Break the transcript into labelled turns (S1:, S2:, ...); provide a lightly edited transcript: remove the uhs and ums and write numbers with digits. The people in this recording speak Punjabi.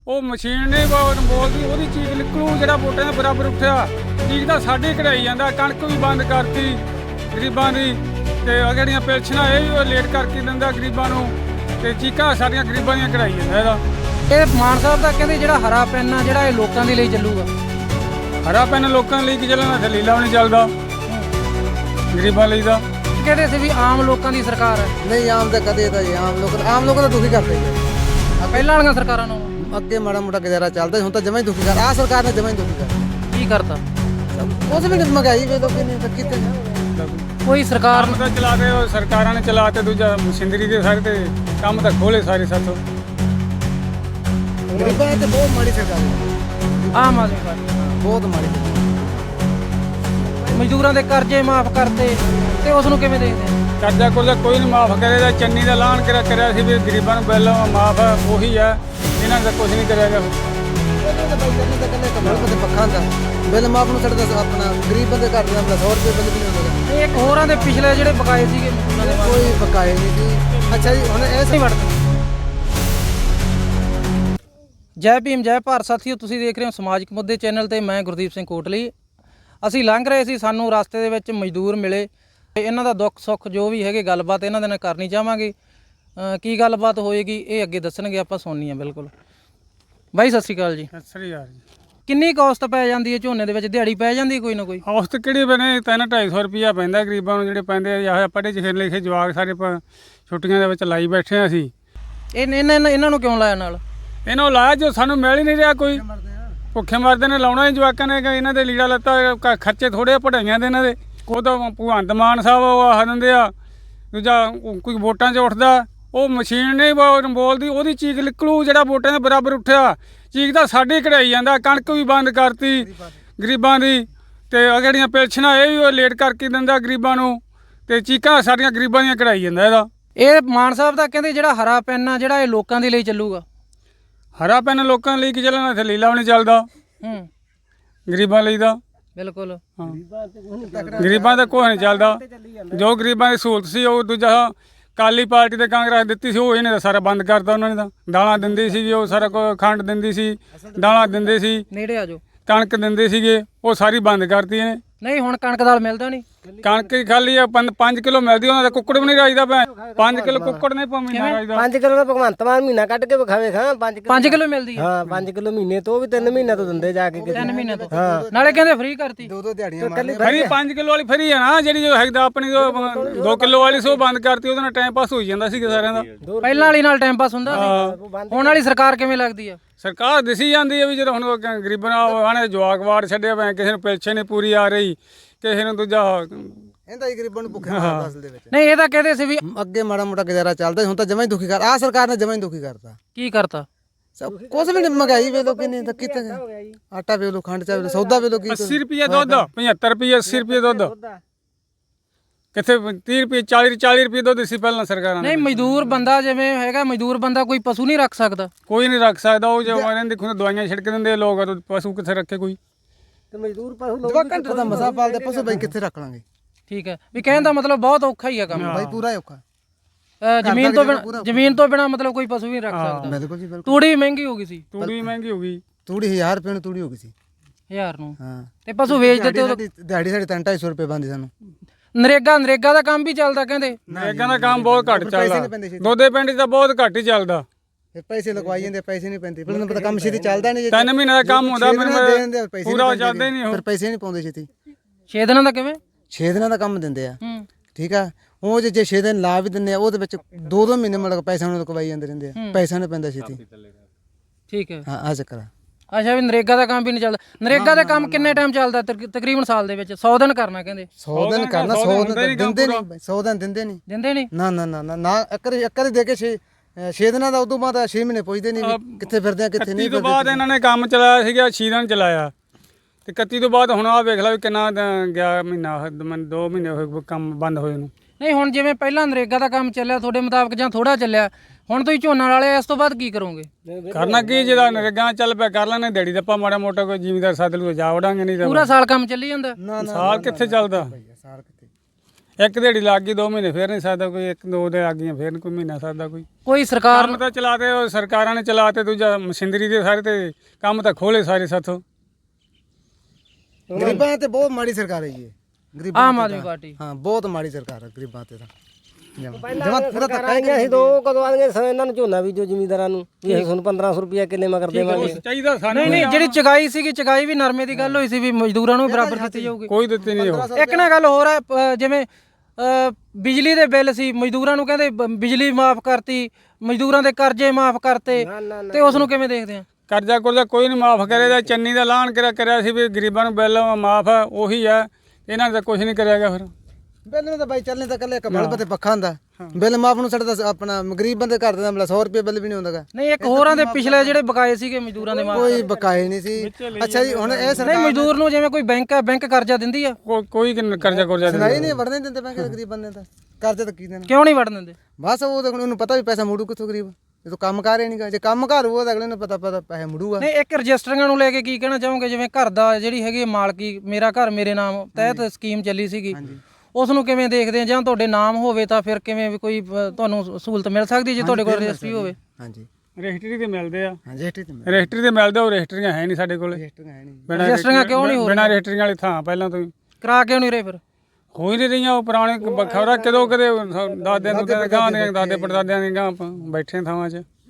S1: ਉਹ ਮਸ਼ੀਨ ਨੇ ਬੋਲਦੀ ਉਹਦੀ ਚੀਜ਼ ਨਿਕਲੂ ਜਿਹੜਾ ਵੋਟਾਂ ਦੇ ਬਰਾਬਰ ਉੱਠਿਆ। ਚੀਜ਼ ਤਾਂ ਸਾਡੀ ਕਢਾਈ ਜਾਂਦਾ, ਕਣਕ ਵੀ ਬੰਦ ਕਰਤੀ ਗਰੀਬਾਂ ਦੀ, ਤੇ ਜਿਹੜੀਆਂ ਪੈਨਸ਼ਨਾਂ ਇਹ ਵੀ ਲੇਟ ਕਰਕੇ ਦਿੰਦਾ ਗਰੀਬਾਂ ਨੂੰ, ਤੇ ਚੀਕਾਂ ਸਾਡੀਆਂ ਗਰੀਬਾਂ ਦੀਆਂ ਕਢਾਈ ਜਾਂਦਾ। ਇਹਦਾ
S2: ਇਹ ਮਾਨ ਸਾਹਿਬ ਦਾ ਕਹਿੰਦੇ ਜਿਹੜਾ ਹਰਾ ਪੈਨ ਆ ਜਿਹੜਾ ਇਹ ਲੋਕਾਂ ਦੇ ਲਈ ਚੱਲੂਗਾ।
S1: ਹਰਾ ਪੈਨ ਲੋਕਾਂ ਲਈ ਕੀ ਚੱਲਣਾ, ਇੱਥੇ ਲੀਲਾ ਵੀ ਨਹੀਂ ਚੱਲਦਾ ਗਰੀਬਾਂ ਲਈ ਦਾ।
S2: ਕਹਿੰਦੇ ਸੀ ਵੀ ਆਮ ਲੋਕਾਂ ਦੀ ਸਰਕਾਰ ਹੈ।
S3: ਨਹੀਂ ਆਮ ਤਾਂ ਕਦੇ ਤਾਂ ਜੀ ਆਮ ਲੋਕਾਂ ਦਾ ਦੁਖੀ ਕਰਦੇ ਜੀ।
S2: ਪਹਿਲਾਂ ਵਾਲੀਆਂ ਸਰਕਾਰਾਂ ਨੂੰ
S3: ਅੱਗੇ ਮਾੜਾ ਮੋਟਾ ਗੁਜ਼ਾਰਾ ਚੱਲਦਾ, ਹੁਣ ਤਾਂ ਜਮਾਂ ਹੀ ਦੁਖੀ ਕਰ ਆਹ ਸਰਕਾਰ ਨੇ, ਜਮਾਂ ਹੀ ਦੁਖੀ ਕਰ
S2: ਕੀ ਕਰਤਾ।
S3: ਉਸ ਵੀ ਮਹਿੰਗਾਈ ਵੇ ਲੋਕੀ ਨੇ ਕਿਤੇ
S2: ਕੋਈ ਸਰਕਾਰ
S1: ਕੰਮ ਤਾਂ ਚਲਾਦੇ ਉਹ ਸਰਕਾਰਾਂ ਨੇ ਚਲਾ ਤੇ ਦੂਜਾ ਮਸ਼ੀਨਰੀ ਦੇ ਸਾਰੇ ਤੇ ਕੰਮ ਤਾਂ ਖੋਲੇ ਸਾਰੇ ਸਾਥੋਂ।
S3: ਗਰੀਬਾਂ ਤੇ ਬਹੁਤ ਮਾੜੀ ਸਰਕਾਰ ਹੈ,
S2: ਆਮ ਆਦਮੀ ਪਾਰਟੀ
S3: ਬਹੁਤ ਮਾੜੀ।
S2: ਮਜ਼ਦੂਰਾਂ ਦੇ ਕਰਜ਼ੇ ਮਾਫ ਕਰਤੇ ਤੇ ਉਸ ਨੂੰ ਕਿਵੇਂ ਦੇਖਦੇ ਆ?
S1: ਕਰਜ਼ਾ ਕੁਰਜ਼ਾ ਕੋਈ ਨਹੀਂ ਮਾਫ ਕਰੇਗਾ। ਚੰਨੀ ਦਾ ਐਲਾਨ ਕਰਿਆ ਸੀ ਵੀ ਗਰੀਬਾਂ ਨੂੰ ਬਿੱਲ ਮਾਫ ਉਹੀ ਆ, ਇਹਨਾਂ ਦਾ ਕੁਝ ਨਹੀਂ ਕਰਿਆ ਗਿਆ।
S3: ਪੱਖਾਂ ਦਾ ਬਿੱਲ ਮਾਫ ਨੂੰ ਛੱਡਦਾ ਆਪਣਾ ਗਰੀਬ ਬੰਦੇ ਘਰ ਦਾ 100 ਰੁਪਏ ਬਿੱਲ ਵੀ ਨਹੀਂ ਹੁੰਦਾ।
S2: ਤੇ ਇੱਕ ਹੋਰਾਂ ਦੇ ਪਿਛਲੇ ਜਿਹੜੇ ਬਕਾਏ ਸੀਗੇ ਉਹਨਾਂ ਦੇ
S3: ਕੋਈ ਬਕਾਏ ਨਹੀਂ ਜੀ। ਅੱਛਾ ਜੀ ਹੁਣ ਇਹ
S2: ਨਹੀਂ ਵੜਦੇ। ਜੈ ਭੀਮ ਜੈ ਭਾਰਤ ਸਾਥੀਓ, ਤੁਸੀਂ ਦੇਖ ਰਹੇ ਹੋ ਸਮਾਜਿਕ ਮੁੱਦੇ ਚੈਨਲ ਤੇ ਮੈਂ ਗੁਰਦੀਪ ਸਿੰਘ ਕੋਟਲੀ। ਅਸੀਂ ਲੰਘ ਰਹੇ ਸੀ, ਸਾਨੂੰ ਰਸਤੇ ਦੇ ਵਿੱਚ ਮਜ਼ਦੂਰ ਮਿਲੇ। ਇਹਨਾਂ ਦਾ ਦੁੱਖ ਸੁੱਖ ਜੋ ਵੀ ਹੈਗੇ ਗੱਲਬਾਤ ਇਹਨਾਂ ਦੇ ਨਾਲ ਕਰਨੀ ਚਾਹਾਂਗੇ। ਕੀ ਗੱਲਬਾਤ ਹੋਏਗੀ ਇਹ ਅੱਗੇ ਦੱਸਣਗੇ, ਆਪਾਂ ਸੁਣਨੀ ਆ। ਬਿਲਕੁਲ ਬਾਈ ਸਤਿ ਸ਼੍ਰੀ ਅਕਾਲ ਜੀ।
S1: ਸਤਿ ਸ੍ਰੀ ਅਕਾਲ ਜੀ।
S2: ਕਿੰਨੀ ਕੋਸਤ ਪੈ ਜਾਂਦੀ ਹੈ ਝੋਨੇ ਦੇ ਵਿੱਚ? ਦਿਹਾੜੀ ਪੈ ਜਾਂਦੀ ਕੋਈ ਨਾ ਕੋਈ?
S1: ਔਸਤ ਕਿਹੜੀ ਬਣੇ 300-250 ਰੁਪਇਆ ਪੈਂਦਾ ਗਰੀਬਾਂ ਨੂੰ, ਜਿਹੜੇ ਪੈਂਦੇ ਆ ਪੜ੍ਹੇ ਲਿਖੇ ਲਿਖੇ ਜਵਾਕ ਸਾਰੇ ਛੁੱਟੀਆਂ ਦੇ ਵਿੱਚ ਲਾਈ ਬੈਠੇ ਆ। ਅਸੀਂ
S2: ਇਹਨਾਂ ਨੂੰ ਕਿਉਂ ਲਾਇਆ ਨਾਲ?
S1: ਇਹਨਾਂ ਨੂੰ ਲਾਇਆ ਜੋ ਸਾਨੂੰ ਮਿਲ ਹੀ ਨਹੀਂ ਰਿਹਾ। ਕੋਈ ਭੁੱਖੇ ਮਰਦੇ ਨੇ, ਲਾਉਣਾ ਹੀ ਜਵਾਕਾਂ ਨੇ। ਇਹਨਾਂ ਦੇ ਲੀੜਾ ਲੱਤਾ ਖਰਚੇ ਥੋੜ੍ਹੇ ਪੜ੍ਹਾਈਆਂ ਦੇ ਇਹਨਾਂ ਦੇ। ਉਹ ਤਾਂ ਭਗਵੰਤ ਮਾਨ ਸਾਹਿਬ ਉਹ ਆਖ ਦਿੰਦੇ ਆ, ਦੂਜਾ ਕੋਈ ਵੋਟਾਂ 'ਚ ਉੱਠਦਾ ਉਹ ਮਸ਼ੀਨ ਨੇ ਬੋਲਦੀ ਉਹਦੀ ਚੀਜ਼ ਨਿਕਲੂ ਜਿਹੜਾ ਵੋਟਾਂ ਦੇ ਬਰਾਬਰ ਉੱਠਿਆ। ਚੀਜ਼ ਤਾਂ ਸਾਡੀ ਕਢਾਈ ਜਾਂਦਾ, ਕਣਕ ਵੀ ਬੰਦ ਕਰਤੀ ਗਰੀਬਾਂ ਦੀ, ਤੇ ਜਿਹੜੀਆਂ ਪੈਨਸ਼ਨਾਂ ਇਹ ਵੀ ਲੇਟ ਕਰਕੇ ਦਿੰਦਾ ਗਰੀਬਾਂ ਨੂੰ, ਤੇ ਚੀਕਾਂ ਸਾਡੀਆਂ ਗਰੀਬਾਂ ਦੀਆਂ ਕਢਾਈ ਜਾਂਦਾ। ਇਹਦਾ
S2: ਇਹ ਮਾਨ ਸਾਹਿਬ ਦਾ ਕਹਿੰਦੇ ਜਿਹੜਾ ਹਰਾ ਪੈਨ ਆ ਜਿਹੜਾ ਇਹ ਲੋਕਾਂ ਦੇ ਲਈ ਚੱਲੂਗਾ।
S1: ਹਰਾ ਪੈਨ ਲੋਕਾਂ ਲਈ ਕੀ ਚੱਲਣਾ, ਇੱਥੇ ਲੀਲਾ ਵੀ ਨਹੀਂ ਚੱਲਦਾ ਗਰੀਬਾਂ ਲਈ ਦਾ।
S2: ਬਿਲਕੁਲ
S1: ਹਾਂ ਗਰੀਬਾਂ ਦਾ ਕੋਈ ਨਹੀਂ ਚੱਲਦਾ। ਜੋ ਗਰੀਬਾਂ ਦੀ ਸਹੂਲਤ ਸੀ ਉਹ ਦੂਜਾ ਕਾਲੀ ਪਾਰਟੀ ਤੇ ਕਾਂਗਰਸ ਦਿੱਤੀ ਸੀ, ਉਹ ਇਹਨੇ ਤਾਂ ਸਾਰਾ ਬੰਦ ਕਰਤਾ। ਉਹਨਾਂ ਨੇ ਤਾਂ ਦਾਲਾਂ ਦਿੰਦੀ ਸੀਗੀ, ਉਹ ਸਾਰਾ ਖੰਡ ਦਿੰਦੀ ਸੀ, ਦਾਲਾਂ ਦਿੰਦੇ ਸੀ,
S2: ਨੇੜੇ ਆ ਜਾਓ,
S1: ਕਣਕ ਦਿੰਦੇ ਸੀਗੇ, ਉਹ ਸਾਰੀ ਬੰਦ ਕਰਤੀ ਇਹਨੇ।
S2: ਨਹੀਂ ਹੁਣ ਕਣਕ ਦਾਲ ਮਿਲਦਾ ਨਹੀਂ।
S1: ਕਣਕ ਹੀ ਖਾਲੀ ਆ 5 ਕਿਲੋ ਮਿਲਦੀ, ਉਹਨਾਂ ਦਾ ਕੁੱਕੜ ਵੀ ਨਹੀਂ ਰਾਜਦਾ। 5 ਕਿਲੋ ਕੁੱਕੜ ਨਹੀਂ ਮਹੀਨਾ ਰਾਜਦਾ।
S3: 5 ਕਿਲੋ ਦਾ ਭਗਵੰਤ ਮਾਨ ਮਹੀਨਾ ਕੱਢ ਕੇ ਵਿਖਾਵੇ ਖਾਂ
S2: 5 ਕਿਲੋ ਮਿਲਦੀ ਹੈ।
S3: ਹਾਂ 5 ਕਿਲੋ ਮਹੀਨੇ ਤੋਂ, ਵੀ 3 ਮਹੀਨਿਆਂ ਤੋਂ ਦਿੰਦੇ ਜਾ ਕੇ
S2: 3 ਮਹੀਨੇ ਤੋਂ। ਨਾਲੇ ਕਹਿੰਦੇ ਫ੍ਰੀ ਕਰਤੀ।
S3: ਦੋ ਦਿਹਾੜੀਆਂ
S1: ਫਰੀ 5 ਕਿਲੋ ਵਾਲੀ ਫਰੀ ਆ ਨਾ, ਜਿਹੜੀ ਜੋ ਹੈਗਾ ਆਪਣੀ 2 ਕਿਲੋ ਵਾਲੀ ਸੋ ਬੰਦ ਕਰਤੀ। ਉਹਦੇ ਨਾਲ ਟਾਈਮ ਪਾਸ ਹੋਈ ਜਾਂਦਾ ਸੀ ਸਾਰਿਆਂ ਦਾ।
S2: ਪਹਿਲਾਂ ਵਾਲੀ ਨਾਲ ਟਾਈਮ ਪਾਸ ਹੁੰਦਾ ਸੀ। ਹੁਣ ਵਾਲੀ ਸਰਕਾਰ ਕਿਵੇਂ ਲੱਗਦੀ ਆ?
S1: ਸਰਕਾਰ ਦਿਸੀ ਜਾਂਦੀ ਹੈ ਵੀ ਜਦੋਂ ਹੁਣ ਗਰੀਬਾਂ ਆਣੇ ਜਵਾਕ ਵਾੜ ਛੱਡਿਆ ਪਏ, ਕਿਸੇ ਨੂੰ ਪੈਨਸ਼ਨ ਨਹੀਂ ਪੂਰੀ ਆ ਰਹੀ, ਕਿਸੇ ਨੂੰ ਦੂਜਾ
S3: ਇਹਦਾ ਹੀ ਗਰੀਬਾਂ ਨੂੰ ਭੁੱਖੇ ਮਾਰਦਾ ਅਸਲ ਦੇ ਵਿੱਚ।
S2: ਨਹੀਂ ਇਹ ਤਾਂ ਕਹਿੰਦੇ ਸੀ ਵੀ
S3: ਅੱਗੇ ਮਾੜਾ ਮੋਟਾ ਗੁਜ਼ਾਰਾ ਚੱਲਦਾ, ਹੁਣ ਤਾਂ ਜਮਾਂ ਹੀ ਦੁਖੀ ਕਰ ਆਹ ਸਰਕਾਰ ਨੇ, ਜਮਾਂ ਹੀ ਦੁਖੀ ਕਰਤਾ।
S2: ਕੀ ਕਰਤਾ?
S3: ਸਭ ਕੁਝ ਵੀ ਨਹੀਂ, ਮਹਿੰਗਾਈ ਵੇ ਲੋਕੀ ਨੇ ਤਾਂ ਕਿਤੇ ਆਟਾ ਵੇ ਲੋ, ਖੰਡ ਚਾਵੇ, ਸੌਦਾ ਵੇ ਲੋਕੀ
S1: 80 ਰੁਪਏ ਦੁੱਧ, 75 ਰੁਪਏ 80 ਰੁਪਏ ਦੁੱਧ, ਕਿੱਥੇ 30 ਰੁਪਏ 40 ਰੁਪਏ ਦੁੱਧ ਸੀ ਪਹਿਲਾਂ ਸਰਕਾਰਾਂ ਨੇ।
S2: ਨਹੀਂ ਮਜ਼ਦੂਰ ਬੰਦਾ ਜਿਵੇਂ ਹੈਗਾ, ਮਜ਼ਦੂਰ ਬੰਦਾ ਕੋਈ ਪਸ਼ੂ ਨਹੀਂ ਰੱਖ ਸਕਦਾ।
S1: ਕੋਈ ਨਹੀਂ ਰੱਖ ਸਕਦਾ। ਉਹ ਜੋ ਇਹਨਾਂ ਦੇਖੋ ਦਵਾਈਆਂ ਛਿੜਕ ਦਿੰਦੇ ਲੋਕ, ਪਸ਼ੂ ਕਿੱਥੇ ਰੱਖੇ ਕੋਈ?
S3: ਤੇ ਮਜ਼ਦੂਰ ਪਸ਼ੂ ਘੰਟੇ ਦਾ ਮਸਾ ਪਾਲਦੇ, ਪਸ਼ੂ ਬਈ ਕਿੱਥੇ ਰੱਖ ਲਾਂਗੇ?
S2: ਠੀਕ ਹੈ, ਵੀ ਕਹਿਣ ਦਾ ਮਤਲਬ ਬਹੁਤ ਔਖਾ ਹੀ ਆ ਕੰਮ।
S3: ਬਾਈ ਪੂਰਾ ਔਖਾ।
S2: ਜ਼ਮੀਨ ਤੋਂ ਬਿਨਾ ਮਤਲਬ ਕੋਈ ਪਸ਼ੂ ਵੀ ਨਹੀਂ ਰੱਖ ਸਕਦਾ।
S3: ਬਿਲਕੁਲ ਜੀ ਬਿਲਕੁਲ।
S2: ਤੂੜੀ ਮਹਿੰਗੀ ਹੋ ਗਈ ਸੀ।
S1: ਤੂੜੀ ਮਹਿੰਗੀ ਹੋ ਗਈ,
S3: ਤੂੜੀ 1000 ਰੁਪਏ ਨੂੰ ਤੂੜੀ ਹੋ ਗਈ ਸੀ।
S2: 1000 ਨੂੰ?
S3: ਹਾਂ।
S2: ਤੇ ਪਸ਼ੂ ਵੇਚ ਦਿੱਤੇ।
S3: ਦਿਹਾੜੀ ਸਾਡੀ 250 ਰੁਪਏ ਬੰਦੀ ਸਾਨੂੰ।
S2: ਨਰੇਗਾ ਦਾ ਕੰਮ ਵੀ ਚੱਲਦਾ ਕਹਿੰਦੇ।
S1: ਨਰੇਗਾ ਦਾ ਕੰਮ ਬਹੁਤ ਘੱਟ ਚੱਲਦਾ, ਦੋਦੇ ਪਿੰਡ 'ਚ ਤਾਂ ਬਹੁਤ ਘੱਟ ਹੀ ਚੱਲਦਾ।
S3: ਫਿਰ ਪੈਸੇ ਲਗਵਾਈ ਜਾਂਦੇ, ਪੈਸੇ ਨਹੀਂ ਪੈਂਦੇ। ਫਿਰ ਪਤਾ ਕੰਮ ਛੇਤੀ ਚੱਲਦਾ ਨਹੀਂ।
S1: 3 ਮਹੀਨੇ ਦਾ ਕੰਮ ਹੁੰਦਾ, ਮੈਨੂੰ ਪੂਰਾ ਚੱਲਦਾ ਹੀ ਨਹੀਂ।
S3: ਫਿਰ ਪੈਸੇ ਨਹੀਂ ਪਾਉਂਦੇ ਛੇਤੀ।
S2: 6 ਦਿਨਾਂ ਦਾ ਕਿਵੇਂ?
S3: 6 ਦਿਨਾਂ ਦਾ ਕੰਮ ਦਿੰਦੇ ਆ। ਠੀਕ ਆ, ਉਹ ਜੇ 6 ਦਿਨ ਲਾ ਵੀ ਦਿੰਦੇ ਆ, ਉਹਦੇ ਵਿੱਚ 2-2 ਮਹੀਨੇ ਮਤਲਬ ਪੈਸਾ ਨੂੰ ਲਗਵਾਈ ਜਾਂਦੇ ਰਹਿੰਦੇ ਆ, ਪੈਸਾ ਨਹੀਂ ਪੈਂਦਾ ਛੇਤੀ।
S2: ਠੀਕ ਹੈ।
S3: ਹਾਂ ਆ ਚੱਕਰ ਆ।
S2: ਅੱਛਾ ਵੀ ਨਰੇਗਾ ਦਾ ਕੰਮ ਵੀ ਨਹੀਂ ਚੱਲਦਾ। ਨਰੇਗਾ ਦਾ ਕੰਮ ਕਿੰਨੇ ਟਾਈਮ ਚੱਲਦਾ? ਤਕਰੀਬਨ ਸਾਲ ਦੇ ਵਿੱਚ 100 ਦਿਨ ਕਰਨਾ ਕਹਿੰਦੇ।
S3: 100 ਦਿਨ ਕਰਨਾ, 100 ਦਿਨ ਦਿੰਦੇ ਨਹੀਂ। 100 ਦਿਨ ਦਿੰਦੇ ਨਹੀਂ।
S2: ਦਿੰਦੇ ਨਹੀਂ?
S3: ਨਾ ਨਾ ਨਾ ਨਾ, ਇੱਕ ਦੇ ਕੇ 6 ਦਿਨਾਂ ਦਾ, ਉਦੋਂ ਬਾਅਦ 6 ਮਹੀਨੇ ਪੁੱਛਦੇ ਨਹੀਂ ਕਿੱਥੇ ਫਿਰਦੇ ਆ ਕਿੱਥੇ ਨਹੀਂ।
S1: 31 ਤੋਂ ਬਾਅਦ ਇਹਨਾਂ ਨੇ ਕੰਮ ਚਲਾਇਆ ਸੀਗਾ, 6 ਦਿਨ ਚਲਾਇਆ, ਤੇ 31 ਤੋਂ ਬਾਅਦ ਹੁਣ ਆ ਵੇਖ ਲਾ ਵੀ ਕਿੰਨਾ ਗਿਆ ਮਹੀਨਾ, 2 ਮਹੀਨੇ ਹੋਏ ਕੰਮ ਬੰਦ ਹੋਏ ਨੂੰ।
S2: ਨਹੀਂ ਹੁਣ ਜਿਵੇਂ ਪਹਿਲਾਂ ਨਰੇਗਾ ਦਾ ਕੰਮ ਚੱਲਿਆ ਤੁਹਾਡੇ ਮੁਤਾਬਕ ਜਾਂ ਥੋੜਾ ਚੱਲਿਆ, ਹੁਣ ਤੁਸੀਂ ਝੋਨਾ ਵਾਲੇ ਇਸ ਤੋਂ ਬਾਅਦ ਕੀ ਕਰੋਗੇ?
S1: ਕਰਨਾ ਕੀ, ਜਿਹਦਾ ਨਰੇਗਾ ਚੱਲ ਪਿਆ ਕਰ ਲੈਣੇ, ਦਿਹਾੜੀ ਦੱਪਾ ਮਾੜਾ ਮੋਟਾ ਕੋਈ ਜ਼ਿਮੀਦਾਰ ਸਾਧ ਲੂ ਜਾ ਵੜਾਂਗੇ, ਨਹੀਂ ਤਾਂ
S2: ਪੂਰਾ ਸਾਲ ਕੰਮ ਚੱਲੀ ਜਾਂਦਾ।
S1: ਸਾਲ ਕਿੱਥੇ ਚੱਲਦਾ? ਇੱਕ ਦਿਹਾੜੀ ਲੱਗ ਗਈ 2 ਮਹੀਨੇ ਫੇਰ ਨਹੀਂ ਸਕਦਾ ਕੋਈ, 1-2 ਦੇ ਲੱਗ ਗਈਆਂ ਫੇਰ ਕੋਈ ਮਹੀਨਾ ਸਕਦਾ ਕੋਈ।
S2: ਕੋਈ ਸਰਕਾਰ
S1: ਕੰਮ ਤਾਂ ਚਲਾਤੇ ਉਹ ਸਰਕਾਰਾਂ ਨੇ ਚਲਾਤੇ, ਦੂਜਾ ਮਸ਼ੀਨਰੀ ਦੇ ਸਾਰੇ ਤੇ ਕੰਮ ਤਾਂ ਖੋਲੇ ਸਾਰੇ ਸਾਥੋਂ।
S3: ਗਰੀਬਾਂ ਤੇ ਬਹੁਤ ਮਾੜੀ ਸਰਕਾਰ ਹੈ ਜੀ ਇਹ। ਗਰੀਬਾਂ
S2: ਆਮ
S3: ਤੇ
S2: ਆਦਮੀ
S3: ਤਾਂ-
S2: ਪਾਰਟੀ
S3: ਹਾਂ ਬਹੁਤ ਮਾੜੀ ਸਰਕਾਰ ਹੈ ਗਰੀਬਾਂ ਤੇ ਤਾਂ ਜਮਾਂ
S4: ਪੂਰਾ ਧੱਕਾ ਹੀ ਸੀ। ਦੋ ਕਦੋਂ ਆਣਗੇ ਇਹਨਾਂ ਨੂੰ ਝੋਨਾ ਬੀਜੋ ਜ਼ਿਮੀਂਦਾਰਾਂ ਨੂੰ ਵੀ ਅਸੀਂ ਤੁਹਾਨੂੰ 1500 ਰੁਪਇਆ ਕਿੰਨੇ ਮਗਰ ਦੇਵਾਂਗੇ।
S1: ਚਾਹੀਦਾ ਸਾਨੂੰ
S2: ਨਹੀਂ ਜਿਹੜੀ ਚਗਾਈ ਸੀਗੀ, ਚਗਾਈ ਵੀ ਨਰਮੇ ਦੀ ਗੱਲ ਹੋਈ ਸੀ ਵੀ ਮਜ਼ਦੂਰਾਂ ਨੂੰ ਵੀ ਬਰਾਬਰ ਦਿੱਤੀ ਜਾਊਗੀ।
S1: ਕੋਈ ਦਿੱਤੀ ਨਹੀਂ ਉਹ।
S2: ਇੱਕ ਨਾ ਗੱਲ ਹੋਰ ਹੈ, ਜਿਵੇਂ ਬਿਜਲੀ ਦੇ ਬਿੱਲ ਸੀ, ਮਜ਼ਦੂਰਾਂ ਨੂੰ ਕਹਿੰਦੇ ਬਿਜਲੀ ਮਾਫ ਕਰਤੀ, ਮਜ਼ਦੂਰਾਂ ਦੇ ਕਰਜ਼ੇ ਮਾਫ ਕਰਤੇ, ਤੇ ਉਸ ਨੂੰ ਕਿਵੇਂ ਦੇਖਦੇ ਆ?
S1: ਕਰਜ਼ਾ ਕੁਰਜ਼ਾ ਕੋਈ ਨਹੀਂ ਮਾਫ ਕਰੇਗਾ। ਚੰਨੀ ਦਾ ਐਲਾਨ ਕਰਿਆ ਸੀ ਵੀ ਗਰੀਬਾਂ ਨੂੰ ਬਿੱਲ ਮਾਫ ਹੈ, ਉਹੀ ਹੈ। ਇਹਨਾਂ ਦਾ ਕੁਝ ਨਹੀਂ ਕਰਿਆ ਗਿਆ ਫਿਰ।
S3: ਬਿੱਲ ਨੂੰ ਤਾਂ ਬਾਈ ਚੱਲਣੇ ਤਾਂ ਕੱਲੇ ਕਮਲ ਬਤੇ ਪੱਖਾ ਹੁੰਦਾ। ਬਿੱਲ ਮਾਫ ਨੂੰ ਸਾਡਾ ਤਾਂ ਆਪਣਾ ਗਰੀਬ ਬੰਦੇ ਘਰ ਦਾ ਮਤਲਬ 100 ਰੁਪਏ ਬਿੱਲ ਵੀ ਨਹੀਂ ਹੁੰਦਾਗਾ।
S2: ਨਹੀਂ ਇੱਕ ਹੋਰਾਂ ਦੇ ਪਿਛਲੇ ਜਿਹੜੇ ਬਕਾਏ ਸੀਗੇ ਮਜ਼ਦੂਰਾਂ ਦੇ ਮਾਫ।
S3: ਕੋਈ ਬਕਾਏ ਨਹੀਂ ਸੀ। ਅੱਛਾ ਜੀ ਹੁਣ ਇਹ
S2: ਨਹੀਂ
S3: ਸਰਕਾਰ
S2: ਮਜ਼ਦੂਰ ਨੂੰ ਜਿਵੇਂ ਕੋਈ ਬੈਂਕ ਹੈ, ਬੈਂਕ ਕਰਜ਼ਾ ਦਿੰਦੀ ਆ,
S1: ਕੋਈ ਕਰਜ਼ਾ ਕੁਰਜ਼ਾ
S3: ਸੁਣਾਈ ਨਹੀਂ ਵੜਨੇ ਦਿੰਦੇ ਬੈਂਕ ਦੇ ਗਰੀਬ ਬੰਦੇ ਤਾਂ ਕਰਜ਼ੇ ਤਾਂ ਕੀ ਦੇਣਾ।
S2: ਕਿਉਂ ਨਹੀਂ ਵੜਨ ਦਿੰਦੇ?
S3: ਬਸ ਉਹ ਤਾਂ ਉਹਨੂੰ ਪਤਾ ਵੀ ਪੈਸਾ ਮੁੜੂ ਕਿੱਥੋਂ ਗਰੀਬ, ਜਦੋਂ ਕੰਮ ਕਰ ਹੀ ਨਹੀਂਗਾ। ਜੇ ਕੰਮ ਘਰ ਹੋਊਗਾ ਤਾਂ ਅਗਲੇ ਨੂੰ ਪਤਾ ਪੈਸੇ ਮੁੜੂਗਾ।
S2: ਨਹੀਂ ਇੱਕ ਰਜਿਸਟਰੀਆਂ ਨੂੰ ਲੈ ਕੇ ਕੀ ਕਹਿਣਾ ਚਾਹੋਗੇ? ਜਿਵੇਂ ਘਰ ਦਾ ਜਿਹੜੀ ਹੈਗੀ ਮਾਲਕੀ ਮੇਰਾ ਘਰ ਮੇਰੇ ਨਾਮ ਤਹਿਤ ਸਕੀਮ ਚੱਲੀ ਸੀਗੀ, ਉਸ ਨੂੰ ਕਿਵੇਂ ਦੇਖਦੇ ਆ? ਜਾਂ ਤੁਹਾਡੇ ਨਾਮ ਹੋਵੇ ਤਾਂ ਫਿਰ ਕਿਵੇਂ ਵੀ ਕੋਈ ਤੁਹਾਨੂੰ ਸਹੂਲਤ ਮਿਲ ਸਕਦੀ ਜੇ ਤੁਹਾਡੇ ਕੋਲ ਰਜਿਸਟਰੀ ਹੋਵੇ?
S3: ਹਾਂਜੀ
S1: ਰਜਿਸਟਰੀ ਤੇ ਮਿਲਦੇ ਆ।
S3: ਹਾਂਜੀ ਰਜਿਸਟਰੀ ਤੇ
S1: ਰਜਿਸਟਰੀ ਤੇ ਮਿਲਦੇ, ਉਹ ਰਜਿਸਟਰੀਆਂ ਹੈ ਨਹੀਂ ਸਾਡੇ ਕੋਲ।
S3: ਰਜਿਸਟਰੀ ਹੈ ਨਹੀਂ।
S2: ਰਜਿਸਟਰੀਆਂ ਕਿਉਂ ਨਹੀਂ ਹੋ
S1: ਬਿਨਾਂ ਰਜਿਸਟਰੀਆਂ ਵਾਲੀ ਥਾਂ ਪਹਿਲਾਂ ਤੋਂ ਹੀ
S2: ਕਰਾ ਕਿਉਂ ਨਹੀਂ ਰਹੇ ਫਿਰ?
S1: ਹੋ ਹੀ ਨਹੀਂ ਰਹੀਆਂ। ਉਹ ਪੁਰਾਣੇ ਖਬਰਾਂ ਕਦੋਂ ਕਦੇ ਦਾਦੇ ਨੂੰ ਗਾਂ ਦੇ ਦਾਦੇ ਪੜਦਾਦਿਆਂ ਦੀਆਂ ਗਾਂ ਬੈਠੇ ਥਾਵਾਂ 'ਚ।